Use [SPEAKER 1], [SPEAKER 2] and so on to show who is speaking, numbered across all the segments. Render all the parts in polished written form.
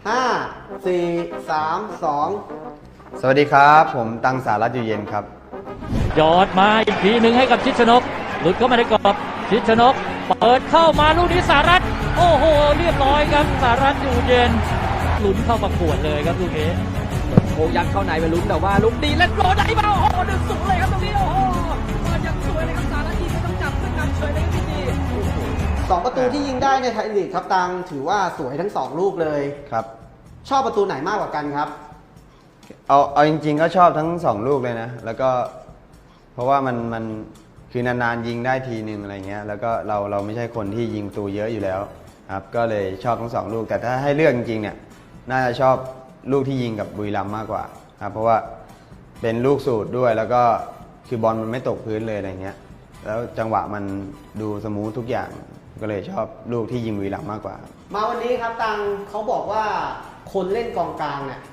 [SPEAKER 1] 5 4 3 2
[SPEAKER 2] สวัสดีครับผมตังสารัตน์อยู่เย็นครับ
[SPEAKER 3] ยอดมาอีกทีหนึ่งให้กับชิดชนกหลุดเข้ามาในกรอบชิดชนกเปิดเข้ามาลูกนี้สารัตน์โอ้โหเรียบร้อยครับสารัตน์อยู่เย็นลุ้นเข้าประกวดเลยครับลูกนี้
[SPEAKER 4] โอ้ยัดเข้าในไปลุ้นแต่ว่าลูกดีเล่นโรได้เปล่าโอ้โห1-0เลยครับตรงนี้โอ้โหมันยังสวยเลยครับสารัตน์ที่ไม่ต้องจับขึ้นนำเฉยเลยครับพี่
[SPEAKER 1] 2 ประตูที่ยิงได้ในไทยลีกครับตังถือว่าสวยทั้ง2ลูกเลย
[SPEAKER 2] ครับ
[SPEAKER 1] ชอบประตูไหนมากกว่ากันครับ
[SPEAKER 2] เอาจริงๆก็ชอบทั้ง2ลูกเลยนะแล้วก็เพราะว่ามันคือนานๆยิงได้ทีนึงอะไรเงี้ยแล้วก็เราไม่ใช่คนที่ยิงประตูเยอะอยู่แล้วครับก็เลยชอบทั้ง2ลูกแต่ถ้าให้เลือกจริงๆเนี่ยน่าจะชอบลูกที่ยิงกับบุรีรัมย์มากกว่าครับเพราะว่าเป็นลูกสูตรด้วยแล้วก็คือบอลมันไม่ตกพื้นเลยอะไรเงี้ยแล้วจังหวะมันดูสมูททุกอย่างก็เลยชอบลูกที่ยิงบุรีรัมย์มากกว่า
[SPEAKER 1] มาวันนี้ครับตังเขาบอกว่าคนเล่นกองกลางเนี่ย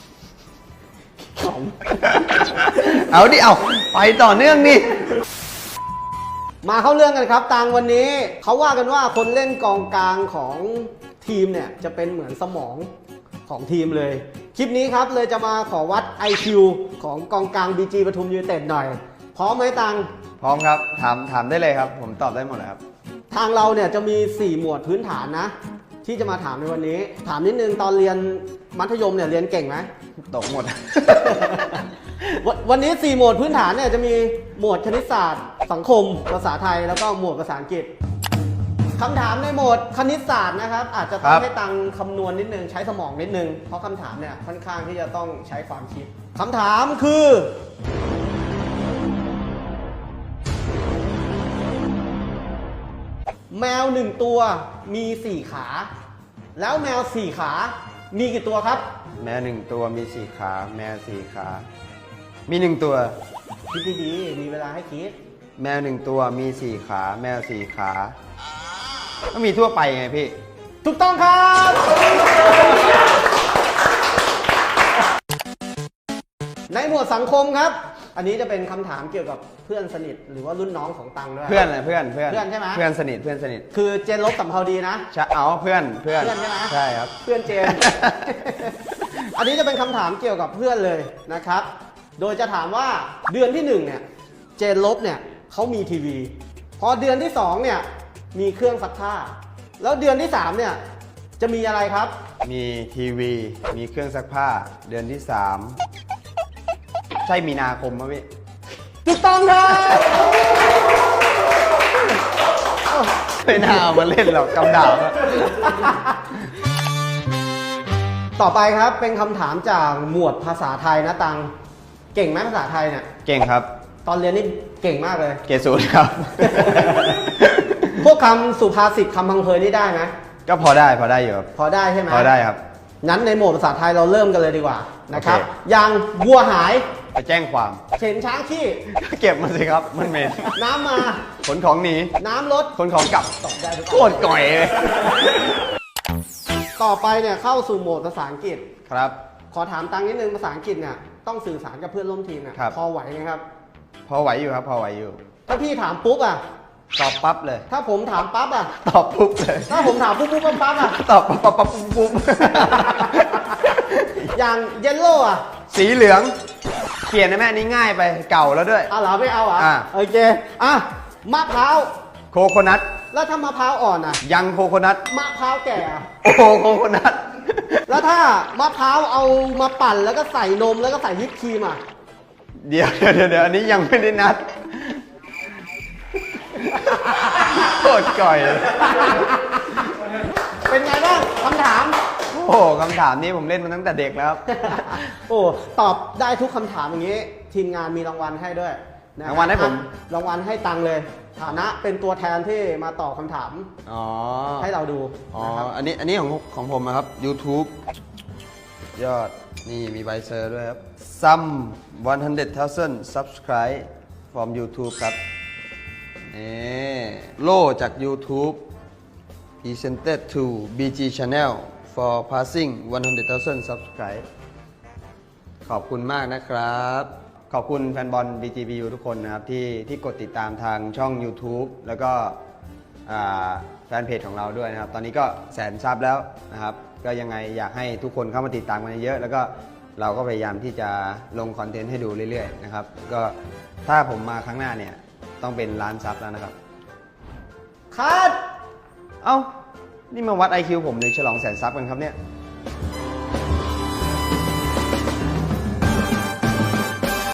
[SPEAKER 2] เอาดิเอาไปต่อเนื่องนี่
[SPEAKER 1] มาเข้าเรื่องกันครับตังวันนี้เขาว่ากันว่าคนเล่นกองกลางของทีมเนี่ยจะเป็นเหมือนสมองของทีมเลยคลิปนี้ครับเลยจะมาขอวัด IQ ของกองกลาง BG ปทุมยูไนเต็ดหน่อยพร้อมไหมตัง
[SPEAKER 2] พร้อมครับถามได้เลยครับผมตอบได้หมดเลยครับ
[SPEAKER 1] ทางเราเนี่ยจะมี4หมวดพื้นฐานนะที่จะมาถามในวันนี้ถามนิดนึงตอนเรียนมัธยมเนี่ยเรียนเก่งไหม
[SPEAKER 2] ตกหมด
[SPEAKER 1] วันนี้4หมวดพื้นฐานเนี่ยจะมีหมวดคณิตศาสตร์สังคมภาษาไทยแล้วก็หมวดภาษาอังกฤษคำถามในหมวดคณิตศาสตร์นะครับอาจจะต้องให้ตังคำนวณนิดนึงใช้สมองนิดนึงเพราะคำถามเนี่ยค่อนข้างที่จะต้องใช้ความคิดคำถามคือแมว1ตัวมี4ขาแล้วแมว4ขามีกี่ตัวครับ
[SPEAKER 2] แมว1ตัวมี4ขาแมว4ขามี1ตัว
[SPEAKER 1] คิดดีๆมีเวลาให้คิด
[SPEAKER 2] แมว1ตัวมี4ขาแมว4ขาก็มีทั่วไปไงพี่
[SPEAKER 1] ถูกต้องครับในหมวดสังคมครับอันนี้จะเป็นคำถามเกี่ยวกับเพื่อนสนิทหรือว่ารุ่นน้องของตังด้วย
[SPEAKER 2] เพื่อนอะไรเพื่อน
[SPEAKER 1] ใช่ไหม
[SPEAKER 2] เพื่อนสนิท
[SPEAKER 1] คือเจนลบสัมภาวดีนะ
[SPEAKER 2] เอาเพื่อน
[SPEAKER 1] ใช่ไหม
[SPEAKER 2] ใช่ครับ
[SPEAKER 1] เพื่อนเจน อันนี้จะเป็นคำถามเกี่ยวกับเพื่อนเลยนะครับโดยจะถามว่าเดือนที่1เนี่ยเจนลบเนี่ยเขามีทีวีพอเดือนที่2เนี่ยมีเครื่องซักผ้าแล้วเดือนที่3เนี่ยจะมีอะไรครับ
[SPEAKER 2] มีทีวีมีเครื่องซักผ้าเดือนที่3ใช่มีนาคมไหมพี่
[SPEAKER 1] ถูกต้องครับ
[SPEAKER 2] ไม่น่าเอามาเล่นหรอกกำดาบ
[SPEAKER 1] ต่อไปครับเป็นคำถามจากหมวดภาษาไทยนะตังเก่งไหมภาษาไทยเนี่ย
[SPEAKER 2] เก่งครับ
[SPEAKER 1] ตอนเรียนนี่เก่งมากเลย
[SPEAKER 2] เกรด0ครับ
[SPEAKER 1] พวกคำสุภาษิตคำพังเพยนี่ได้ไหม
[SPEAKER 2] ก็พอได้อยู่ครับ
[SPEAKER 1] พอได้ใช่ไหม
[SPEAKER 2] พอได้ครับ
[SPEAKER 1] งั้นในหมวดภาษาไทยเราเริ่มกันเลยดีกว่านะครับอย่างวัวหาย
[SPEAKER 2] ไปแจ้งความ
[SPEAKER 1] เข็นช้างขี้
[SPEAKER 2] เก็บมาสิครับมันเหม็น
[SPEAKER 1] น้ำมา
[SPEAKER 2] ขนของหนี
[SPEAKER 1] น้ำลด
[SPEAKER 2] ขนของกลับโคตรก่อยเลย
[SPEAKER 1] ต่อไปเนี่ยเข้าสู่โหมดภาษาอังกฤษ
[SPEAKER 2] ครับ
[SPEAKER 1] ขอถามตังนิดนึงภาษาอังกฤษเนี่ยต้องสื่อสารกับเพื่อนร่วมทีมเนี่ยพอไหวไหมครับ
[SPEAKER 2] พอไหวอยู่ครับพอไหวอยู่
[SPEAKER 1] ถ้าพี่ถามปุ๊บอ่ะ
[SPEAKER 2] ตอบปั๊บเลย
[SPEAKER 1] ถ้าผมถามปั๊บอ่ะ
[SPEAKER 2] ตอบปุ๊บเลย
[SPEAKER 1] ถ้าผมถามปุ๊บปั๊บอ่ะ
[SPEAKER 2] ตอบปุ๊บ
[SPEAKER 1] อย่างเยลโล่อ่ะ
[SPEAKER 2] สีเหลืองเปลี่ยนได้ไหมอันนี้ง่ายไปเก่าแล้วด้วย
[SPEAKER 1] เหรอไม่เอาโอเคมะพร้าว
[SPEAKER 2] โคโคนัท
[SPEAKER 1] แล้วถ้ามะพร้าวอ่อนอ่ะ
[SPEAKER 2] ยังโคโคนัท
[SPEAKER 1] มะพร้าวแก่
[SPEAKER 2] โอ้โคโคนัท
[SPEAKER 1] แล้วถ้ามะพร้าวเอามาปั่นแล้วก็ใส่นมแล้วก็ใส่วิปครีมอ่ะ
[SPEAKER 2] เดี๋ยวอันนี้ยังไม่ได้นัดโคตรก่อย
[SPEAKER 1] เป็นไงบ้างคำถาม
[SPEAKER 2] โอ้คำถามนี้ผมเล่นมาตั้งแต่เด็กแล้ว
[SPEAKER 1] โอ้ตอบได้ทุกคำถามอย่างนี้ทีมงานมีรางวัลให้ด้วย
[SPEAKER 2] รางวัลให้ผม
[SPEAKER 1] รางวัลให้ตังเลยฐานะเป็นตัวแทนที่มาตอบคำถามให้เราดู
[SPEAKER 2] อันนี้ของผมนะครับ YouTube ยอดนี่มีใบเซอร์ด้วยครับ Some 100,000 subscribe from YouTube ครับนี่โล่จาก YouTube presented to BG Channel for passing 100,000 subscribe ขอบคุณมากนะครับขอบคุณแฟนบอล BGBU ทุกคนนะครับที่กดติดตามทางช่อง YouTube แล้วก็แฟนเพจของเราด้วยนะครับตอนนี้ก็100,000 ซับแล้วนะครับก็ยังไงอยากให้ทุกคนเข้ามาติดตามกันเยอะแล้วก็เราก็พยายามที่จะลงคอนเทนต์ให้ดูเรื่อยๆนะครับก็ถ้าผมมาครั้งหน้าเนี่ยต้องเป็นล้านซับแล้วนะครับ
[SPEAKER 1] คัด
[SPEAKER 2] เอ้านี่มาวัด IQ ผมเลยฉลองแสนซับกันครับเนี่ย